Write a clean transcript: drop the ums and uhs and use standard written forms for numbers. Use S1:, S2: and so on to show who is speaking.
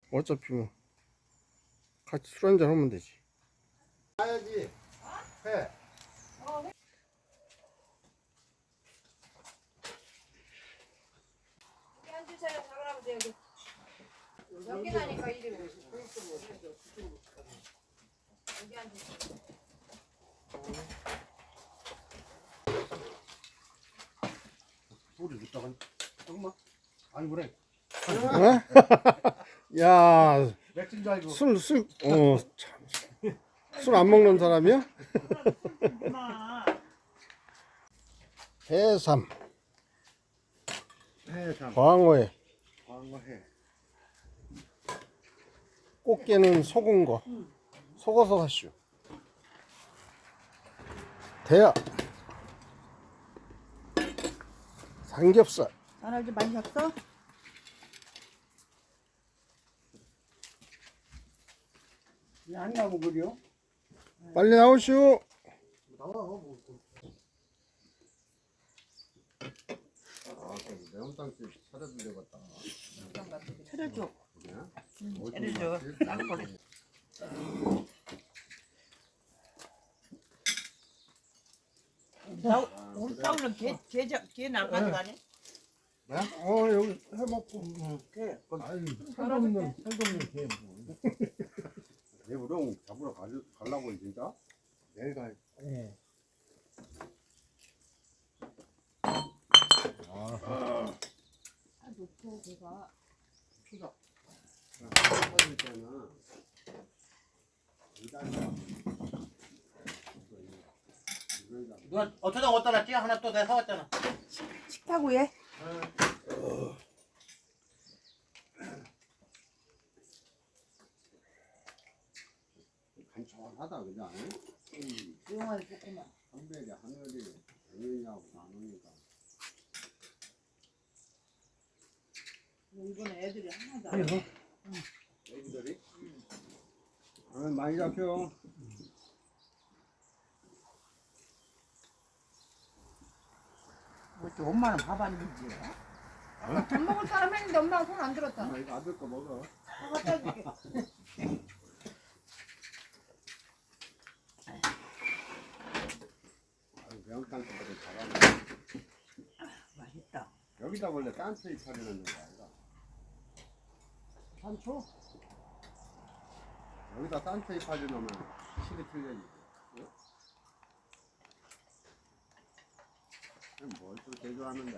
S1: 어차피 뭐 같이 술 한잔 하면 되지.
S2: 가야지. 해.
S3: 여기 앉으세요. 작은아버지 여기. 여기 나니까 이리 오시고. 여기 앉으세요.
S2: 소리 듣다가 조금만. 아니 그래.
S1: 어? 야,
S2: 맥주인 줄 알고.
S1: 술, 참. 술 안 먹는 사람이야? 해삼,
S2: 해삼.
S1: 광어에
S2: 광어해.
S1: 꽃게는 속은 거. 속어서 하시오. 대야, 삼겹살.
S4: 나날도 많이 샀어?
S2: 안 나무 그려?
S1: 빨리 나오시오.
S2: 나와. 뭐. 아, 매운탕집 차려준 데 같다.
S4: 차려줘.
S2: 차려줘.
S4: 우리 싸우는 개 나가는 거 아니야?
S2: 네?
S1: 여기 해먹고.
S2: 아유, 살도 없는 개 뭐. 내 우렁 잡으러 가려고 진짜? 내일 가.
S1: 예.
S4: 놓고 걔가
S2: 추자. 빠질 때는
S5: 누가 어쩌다 어디다 놨지? 하나 또 내가 사왔잖아.
S4: 식탁위에
S2: 간편하다 그냥.
S4: 조용하게 좋구만.
S2: 한별이 하늘이 당연히하고 나누니까.
S4: 이번에 애들이 하나도 안 해.
S2: 애기들이? 많이 잡혀.
S4: 뭐 엄마는 밥 안 주지?
S3: 밥 먹을 사람 했는데 엄마가 손 안 들었다.
S2: 엄마 이거 아들 거 먹어.
S3: 갖다 줄게.
S2: 매운탕 거를 잘하네.
S4: 맛있다.
S2: 여기다 원래 딴스이 차려놓는 거 아니야?
S4: 산초?
S2: 여기다 딴스이 차려놓으면 실이 틀려지. 뭘 또 제조하는데.